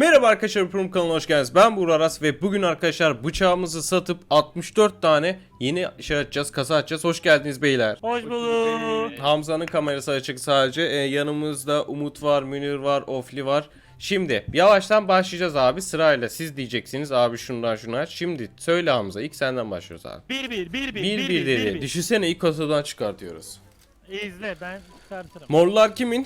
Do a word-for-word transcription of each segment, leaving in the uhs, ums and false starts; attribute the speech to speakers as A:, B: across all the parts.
A: Merhaba arkadaşlar, Prum kanalına hoş geldiniz. Ben Buğra Aras ve bugün arkadaşlar bıçağımızı satıp altmış dört tane yeni şey açacağız, kasa açacağız. Hoş geldiniz beyler.
B: Hoş bulduk.
A: Hamza'nın kamerası açık sadece. Ee, yanımızda Umut var, Münir var, Ofli var. Şimdi yavaştan başlayacağız abi, sırayla siz diyeceksiniz abi şundan şunu aç. Şimdi söyle Hamza, ilk senden başlıyoruz abi.
B: Bir bir bir bir
A: Bir bir dedi. Düşünsene, ilk kasadan çıkartıyoruz.
B: İzle, ben çıkartırım.
A: Morlar kimin?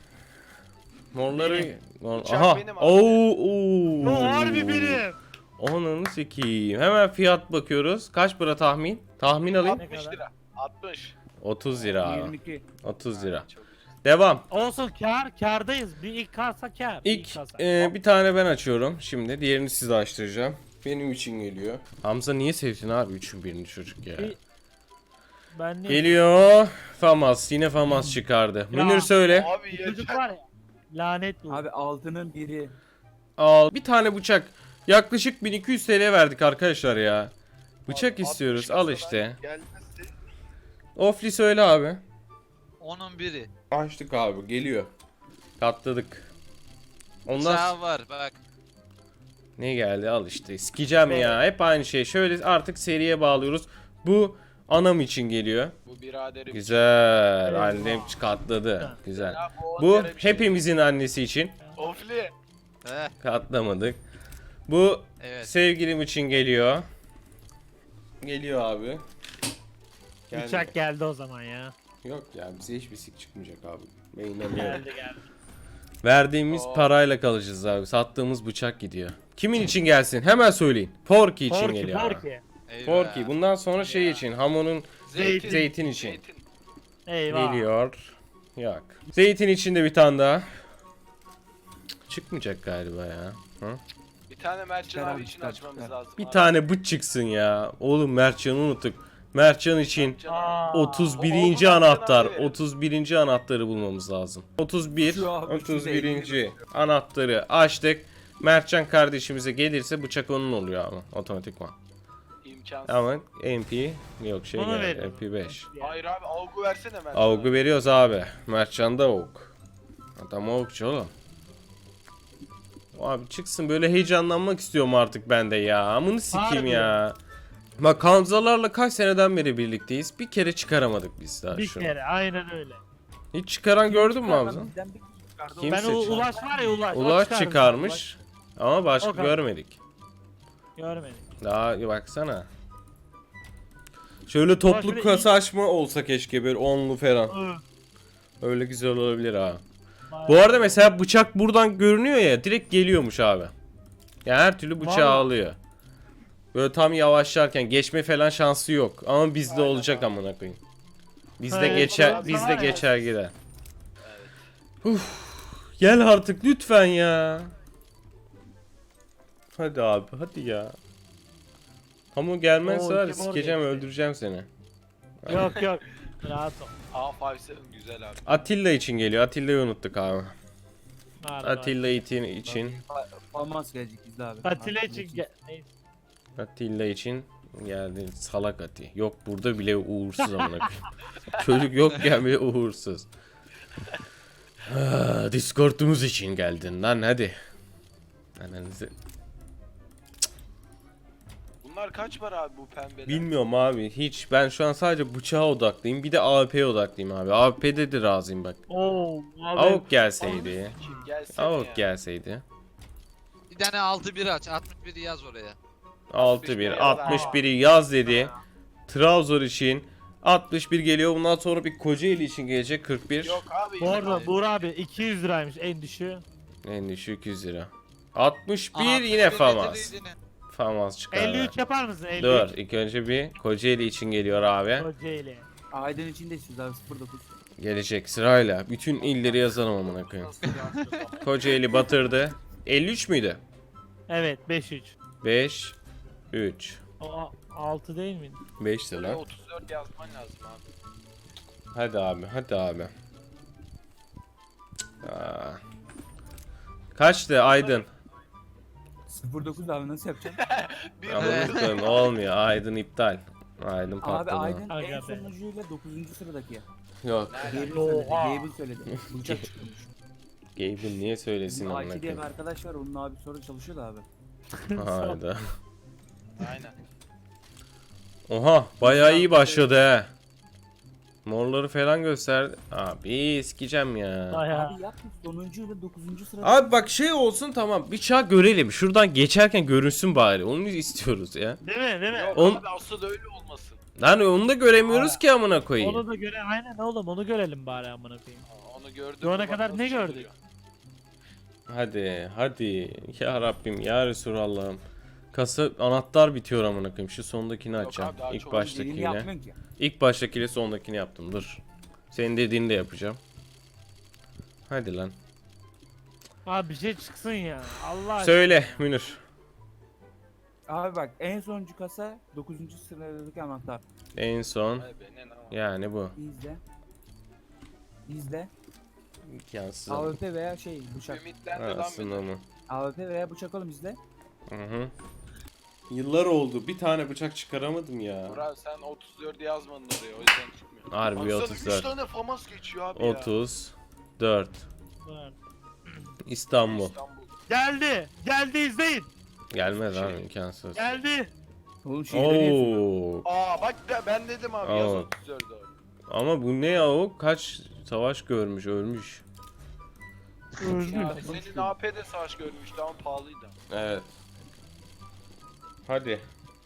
A: Morları... Mor...
C: Bıçak
A: Aha.
C: benim abi.
A: Oo, oo.
B: Bu harbi benim.
A: Ananı sikeyim. Hemen fiyat bakıyoruz. Kaç para tahmin? Tahmin alayım.
B: Ne
C: altmış
B: kadar?
C: lira. altmış.
A: otuz lira abi.
D: yirmi iki.
A: otuz lira.
C: Çok güzel.
A: Devam.
B: Olsun, kar kardayız. Bir ilk kasa kar.
A: İlk
B: kasa.
A: e, bir tane ben açıyorum. Şimdi diğerini size açtıracağım. Benim için geliyor. Hamza niye sevsin abi üçün birini çocuk ya.
B: Bir- ben ne?
A: Geliyor. Famas. Yine Famas çıkardı.
B: Ya.
A: Münir söyle.
C: Abi
B: Çocuk
C: yeter.
B: var ya. Lanet bu.
D: Abi altının biri.
A: Al. Bir tane bıçak. Yaklaşık bin iki yüz T L verdik arkadaşlar ya. Bıçak
C: Abi,
A: istiyoruz.
C: altmış
A: Al
C: kasadan
A: işte.
C: gelmesi-
A: Ofli söyle abi.
E: Onun biri.
A: Açtık abi. Geliyor. Katladık. Ondan
E: Sağ var bak.
A: ne geldi? Al işte. Sikeceğim
B: Evet.
A: ya. Hep aynı şey. Şöyle artık seriye bağlıyoruz. Bu anam için geliyor.
C: Bu biraderim.
A: Güzel.
B: Evet.
A: Annem katladı. Güzel.
C: Ya, bu
A: Bu
C: on kere bir şey.
A: hepimizin annesi için.
C: Ofli.
E: Heh,
A: Katlamadık. Bu
E: evet.
A: sevgilim için geliyor. Geliyor abi. Geldi.
B: Bıçak geldi o zaman ya.
A: Yok ya, bize hiçbir sik çıkmayacak abi. Ben inanıyorum.
B: Geldi geldi.
A: Verdiğimiz
C: Oo.
A: parayla kalacağız abi. Sattığımız bıçak gidiyor. Kimin için gelsin? Hemen söyleyin. Porky için
B: Porky
A: geliyor. abi.
B: porky.
E: Eyvah.
A: Porky. Bundan sonra şey için. Hamonun
C: Zeytin.
A: zeytin için.
C: Zeytin.
B: Eyvah.
A: Geliyor. Yok. Zeytin için de bir tane daha. Çıkmayacak galiba ya. Hı?
C: Bir tane Mertcan
D: Çıkar
C: abi
D: abi,
C: için
D: çıkar,
C: açmamız
D: çıkar.
C: lazım.
A: Bir
C: abi.
A: tane bıç çıksın ya. Oğlum Mertcan'ı unuttuk. Mertcan için
C: Mertcan abi.
B: Aa.
A: otuz
C: O-
A: birinci
C: o-
A: anahtar.
C: Mertcan abi.
A: otuz birinci anahtarı bulmamız lazım. otuz bir.
D: Şu abi,
A: otuz
D: şu
A: birinci anahtarı açtık. Mertcan kardeşimize gelirse bıçak onun oluyor ama otomatikman.
C: İmkansız.
A: Ama M P yok şey
B: Onu
A: geldi.
B: verin.
A: M P beş.
C: Hayır abi avgu versene Mertcan.
A: Avgu veriyoruz abi. Mertcan da avuk. Adam avukçu oğlum. Abi çıksın, böyle heyecanlanmak istiyorum artık ben de ya. Amını sikeyim
B: Harbi.
A: ya. Bak Hamzalarla kaç seneden beri birlikteyiz. Bir kere çıkaramadık biz daha
B: Bir
A: şunu.
B: kere aynen öyle.
A: Hiç çıkaran gördün mü Hamza?
D: Bizden bir kişi çıkardı.
A: Kim
B: Ben o
A: seçti?
B: Ulaş var ya Ulaş. o
A: Ulaş
B: çıkardı.
A: çıkarmış. Ama başka
B: O kadar.
A: görmedik.
B: Ulaş. Görmedim.
A: Daha baksana. Şöyle toplu
B: şöyle
A: kasa açma olsa keşke, böyle onlu falan.
B: Hı.
A: Öyle güzel olabilir ha.
B: Bayağı-
A: Bu arada mesela bıçak buradan görünüyor ya, direkt geliyormuş abi. Yani her türlü bıçağı
B: Vallahi.
A: alıyor. Böyle tam yavaşlarken geçme falan şansı yok. Ama bizde
C: Aynen
A: olacak
C: abi.
A: amına koyayım. Bizde
B: Evet,
A: geçer,
B: evet,
A: bizde
B: var ya.
A: geçer gider. Uf, gel artık lütfen ya. Hadi abi, hadi ya. Ama gelmezse
B: Oo,
A: var ya,
B: kim
A: sikeceğim,
B: orada?
A: öldüreceğim seni.
B: Yok yok. Rahat ol.
C: A beş seven güzel abi.
A: Atilla için geliyor. Atilla'yı unuttuk abi.
B: Harbi,
A: Atilla için için.
D: Fa- Falmas gelecek izle abi.
B: Atilla
D: Atilla
B: için gel. Neyse.
A: Atilla için geldi, salak Ati. Yok burada bile uğursuz amına koyayım. Çocuk yokken bile uğursuz. Ah, Discord'umuz için geldin lan, hadi. Ananızı.
C: Bunlar kaç var abi bu pembeler?
A: Bilmiyorum abi hiç. Ben şu an sadece bıçağa odaklıyım. Bir de A W P'ye odaklıyım abi. A W P'de de razıyım bak.
B: Oo. Abi.
A: Avuk gelseydi.
C: Kim gelsene
A: Avuk
C: ya.
A: gelseydi.
E: Bir tane altı bir aç. altmış biri yaz oraya.
A: altı bir.
C: yaz.
A: altmış biri yaz dedi. Trabzon için altmış bir geliyor. Bundan sonra bir Kocaeli için gelecek kırk bir.
C: Yok abi.
B: Bu arada
C: yine-
B: Buğra abi iki yüz liraymış en düşüğü.
A: En düşük yüz lira. altmış bir
E: Aha,
A: yine
E: bir
A: Famas.
E: getirdiğini.
A: Famas çıkar.
B: elli üç yapar mısın? elli üç.
A: Dur, ilk önce bir Kocaeli için geliyor abi.
B: Kocaeli.
D: Aydın için de istiyoruz abi sıfır dokuz.
A: Gelecek sırayla. Bütün illeri yazalım amına koyayım. Kocaeli batırdı. elli üç müydü?
B: Evet beş üç.
A: beş üç.
B: O altı değil miydi?
A: beş
C: Buraya
A: lira.
C: otuz dört yazman lazım abi.
A: Hadi abi, hadi abi. Aa. Kaçtı Aydın?
D: sıfır dokuz abi nasıl yapacağım?
C: Bir
A: Ama
E: Evet.
A: unuttum, olmuyor. Aydın iptal. Aydın
D: abi
A: patladı.
D: Aydın
B: Aga
D: en
B: be.
D: sonuncuyla dokuzuncu sıradaki ya.
A: Yok.
D: Gable
C: Nerede?
D: söyledi.
B: Oha.
D: Gable söyledi. Bıçak çıkmış.
A: Gaben niye söylesin
D: Bizim
A: amına
D: Aki diye bir
A: koyayım?
D: arkadaş var. Onun abi sonra çalışıyordu abi.
A: Hayda.
C: Aynen.
A: Oha bayağı iyi başladı he. Morları falan gösterdi. Abi sikeceğim ya.
B: Bayağı.
D: Abi yapma sonuncu ile dokuzuncu sırada.
A: Abi bak şey olsun tamam bıçağı görelim. Şuradan geçerken görünsün bari. Onu istiyoruz ya.
B: Değil mi? Değil mi?
C: Yok
A: On-
C: abi asıl öyle olmasın.
A: Lan onu da göremiyoruz ki amına koyayım.
B: Onu da göre aynen oğlum onu görelim bari amına koyayım.
C: Aa, Onu gördüm.
B: Şu ana
C: mü bak
B: kadar
C: nasıl
B: ne gördük?
C: çıldırıyor.
A: Hadi hadi ya Rabbim ya Resulallah'ım. Kasa anahtar bitiyor amına koyayım. Şu sondakini
C: Yok
A: açacağım.
C: abi, daha
A: İlk
C: çok
D: Dediğini
A: baştakiyle.
D: yapmıyorsun ki.
A: İlk baştakiyle sondakini yaptım. Dur. Senin dediğini de yapacağım. Hadi lan.
B: Abi bir şey çıksın ya. Allah aşkına.
A: Söyle Münir.
D: Abi bak en sonuncu kasa dokuzuncu sıradaki anahtar.
A: En son
C: Vay be, ne lan?
A: yani bu.
D: İzle. İzle.
A: İmkansız.
D: A W P veya şey bıçak.
C: Ümitlendi lan
A: Aslında
C: beni.
A: mı?
D: A W P veya bıçak oğlum izle.
A: Hı hı. Yıllar oldu. Bir tane bıçak çıkaramadım ya.
C: Burak sen otuz dört yazmadın oraya o yüzden çıkmıyor.
A: Harbi
C: Baksana,
A: otuz
C: üç
A: dört.
C: tane famas geçiyor abi ya.
A: otuz dört.
B: Dur.
A: İstanbul.
C: İstanbul.
B: Geldi. Geldi izleyin.
A: Gelmez abi imkansız.
B: Geldi.
D: Oğlum şeyleri yazıyor.
A: Oo.
C: Aa bak de, ben dedim abi yaz
A: Aa.
C: otuz dört abi.
A: Ama bu ne ya o? Kaç savaş görmüş, ölmüş.
B: Öldü.
C: Ya, senin A P'de savaş görmüştü ama pahalıydı.
A: Evet. Hadi.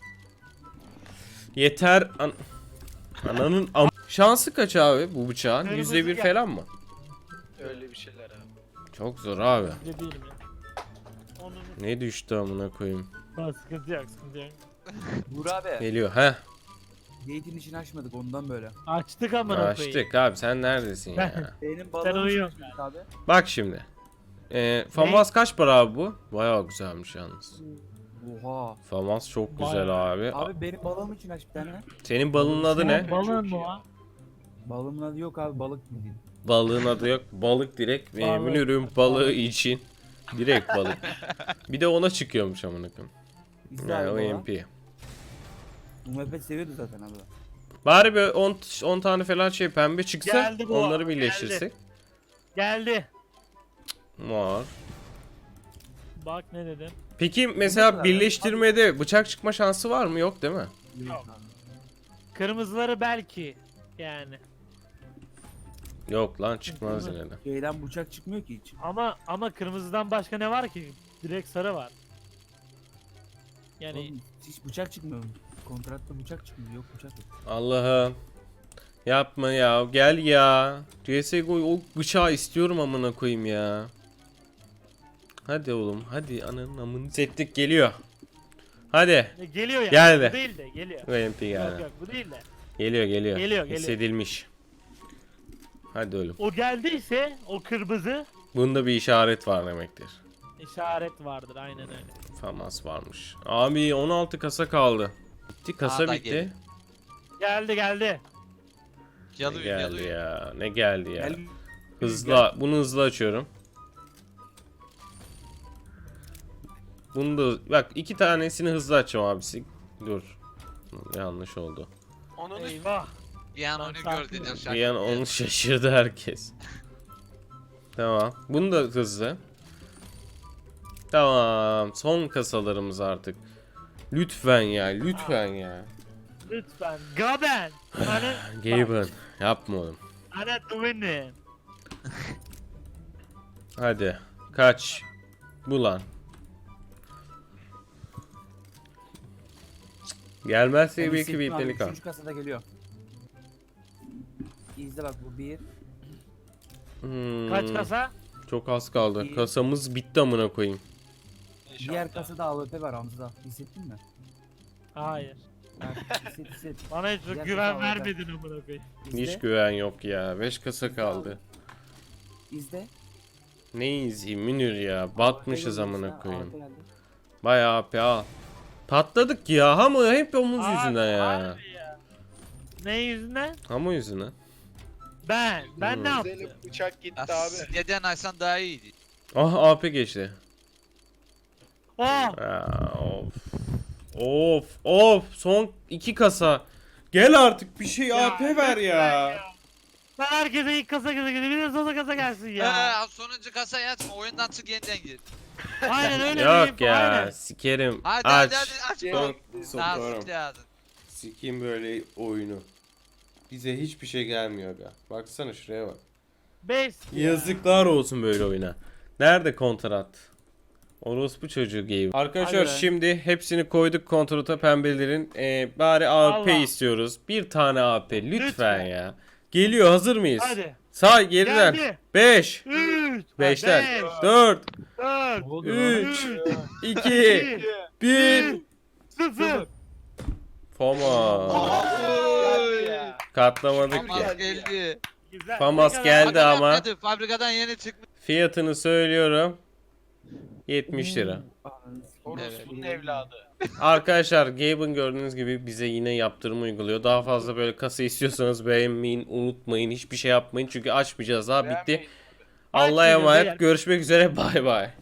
A: Yeter. An Ananın am şansı kaç abi bu bıçağın?
B: Kırmızı
A: yüzde bir
B: gel.
A: falan mı?
C: Öyle bir şeyler abi.
A: Çok zor abi.
B: Ne değilim ya. Onun
A: Ne düştü amına koyayım.
B: Ha, sıkıntı yok sıkıntı yok.
D: Burak abi.
A: Geliyor he.
D: Gate'in içini açmadık ondan böyle.
B: Açtık amına koyayım.
A: Açtık abi sen neredesin ya?
D: Benim
B: Sen
D: balığım
B: uyuyorsun.
D: açmadık abi.
A: Bak şimdi. Ee, Famas kaç para abi bu? Bayağı güzelmiş yalnız.
D: Oha.
A: Famas çok güzel
B: Bayağı.
A: abi.
D: Abi benim balığım için aç bir tane.
A: Senin balığın adı ne?
B: Senin balığın
C: Çok
B: mı
C: iyi.
B: o?
D: Balığımın adı yok abi balık bildiğin.
A: Balığın adı yok. Balık direkt.
B: Balık.
A: Benim ürün balığı için. Direkt balık. Bir de ona çıkıyormuş amına koyayım.
D: İzle
A: Yani
D: abi
A: o
D: baba.
A: M P.
D: Bu mepet seviyordu zaten abi.
A: Bari bir on on tane falan şey pembe çıksa
B: Geldi bu
A: onları
B: arada,
A: birleştirsek.
B: Geldi.
A: Var.
B: Bak ne dedim.
A: Peki
D: kadar
A: mesela
D: ya.
A: birleştirmede bıçak çıkma şansı var mı? Yok değil mi?
D: Yok.
B: Kırmızıları belki. Yani.
A: Yok lan çıkmaz
B: Değil mi?
A: yine de.
D: Şeyden bıçak çıkmıyor ki hiç.
B: Ama ama kırmızıdan başka ne var ki? Direkt sarı var. Yani
D: Oğlum, hiç bıçak çıkmıyor. Kontratta bıçak çıkmıyor. Yok bıçak yok.
A: Allah'ım. Yapma ya. Gel ya. C S G O o bıçağı istiyorum amına koyayım ya. Hadi oğlum. Hadi ananın amını. Settik geliyor. Hadi.
B: e, geliyor yani.
A: Geldi.
B: Bu değil de geliyor.
A: Bu M P
B: Yok
A: geldi.
B: yok bu değil de.
A: Geliyor geliyor.
B: Geliyor, geliyor.
A: Hissedilmiş. Hadi oğlum.
B: O geldiyse o kırmızı
A: Bunda bir işaret var demektir.
B: işaret vardır aynen öyle.
A: Famas varmış. Abi on altı kasa kaldı. Bitti kasa
E: Aa, da
A: bitti.
E: geliyor.
B: Geldi geldi.
A: Ne
E: Yalıyor
A: geldi
E: yalıyor.
A: ya? Ne geldi ya?
D: Gel.
A: Hızla, bunu hızlı açıyorum. Bunu da bak iki tanesini hızlı açacağım abisi. Dur. Yanlış oldu.
C: Onun üstü
B: Eyvah.
E: Bir an
B: Lan
E: onu
B: sakin
E: gördüler
B: ol.
E: şarkı.
A: Bir an onu şaşırdı herkes. Tamam. Bunu da hızlı. Tamam. Son kasalarımız artık. Lütfen ya, lütfen ya.
B: Lütfen. Gaben. Hani
A: Gaben, yapma oğlum.
B: hani Dwayne.
A: Hadi. Kaç. Bu lan. Gelmezse
D: Ben
A: belki
D: hissettim
A: bir
D: abi,
A: pelikan.
D: Üçüncü kasada geliyor. İzle bak bu bir.
A: Hmm,
B: Kaç kasa?
A: Çok az kaldı.
D: İyi.
A: Kasamız bitti amına koyayım.
D: Diğer kasada A W P var Hamza. Hissettin mi?
B: Hayır.
D: Ha, hisset hisset.
B: Bana hiç
D: Diğer
B: güven
D: kasa aldı.
B: vermedin amına koyayım.
D: İzle.
A: Hiç güven yok ya. beş kasa kaldı.
D: İzle.
A: Ne izleyeyim Münir ya. Batmışız
D: A W P
A: amına
D: geldi,
A: koyayım.
D: A W P geldi.
A: Bayağı A P al. Patladık ya. Hamu hep omuz
B: Abi,
A: yüzünden ya.
B: harbi ya. Ne yüzünden?
A: Hamu yüzünden.
B: Ben. Ben
A: Hmm.
B: ne
C: Güzelim
B: yaptım?
C: bıçak gitti
E: Ya,
C: abi.
E: Neden açsan daha iyiydi.
A: Ah A P geçti.
B: Oh.
A: Aa, of. Of of son iki kasa. Gel artık bir şey A P ver
B: lütfen
A: ya.
B: Sen herkese ilk kasa kasa geliyor. Bir de son kasa gelsin ya.
E: Ya. sonuncu kasayı açma oyundan çık yeniden gir.
B: Aynen öyle
A: Yok
B: bir info,
A: ya
B: aynen.
A: sikerim.
E: Hadi
A: Aç.
E: hadi hadi aç.
C: Gel.
A: Sok-
E: Daha
A: sokarım.
E: sikti ağzın.
A: Sikeyim böyle oyunu. Bize hiçbir şey gelmiyor ga. Baksana şuraya bak.
B: Beş.
A: Yazıklar olsun böyle oyuna. Nerede kontrat? Orospu çocuğu game. Arkadaşlar
B: Hadi be.
A: şimdi hepsini koyduk kontrata pembelerin. Ee, bari A P
B: Allah.
A: istiyoruz. Bir tane A P lütfen,
B: Lütfen.
A: ya. Geliyor, hazır mıyız?
B: Hadi.
A: Sağ geriden.
B: Geldi.
A: beş,
B: Üç.
A: beşten,
B: Beş.
A: dört,
B: Dört.
D: Ne oluyor lan?
A: üç,
B: Üç.
A: iki,
B: İki.
A: bir.
B: Sıfır.
A: Foma.
C: Geldi ya.
A: Katlamadık
E: Famas
A: ya.
E: geldi.
B: Güzel.
A: Famas
B: Ne kadar-
A: geldi
E: Fabrikadan
A: ama.
E: geldi, Fabrikadan yeni çıkmış.
A: Fiyatını söylüyorum. yetmiş lira.
D: Ananı sikeyim.
C: Orospu'nun evladı.
A: Arkadaşlar Gabe'ın gördüğünüz gibi bize yine yaptırım uyguluyor. Daha fazla böyle kasa istiyorsanız beğenmeyin, unutmayın, hiçbir şey yapmayın çünkü açmayacağız daha bitti.
C: Beğenmeyin.
A: Allah'a
B: Açmayacağız,
A: emanet.
B: beyler.
A: Görüşmek üzere. Bay bay.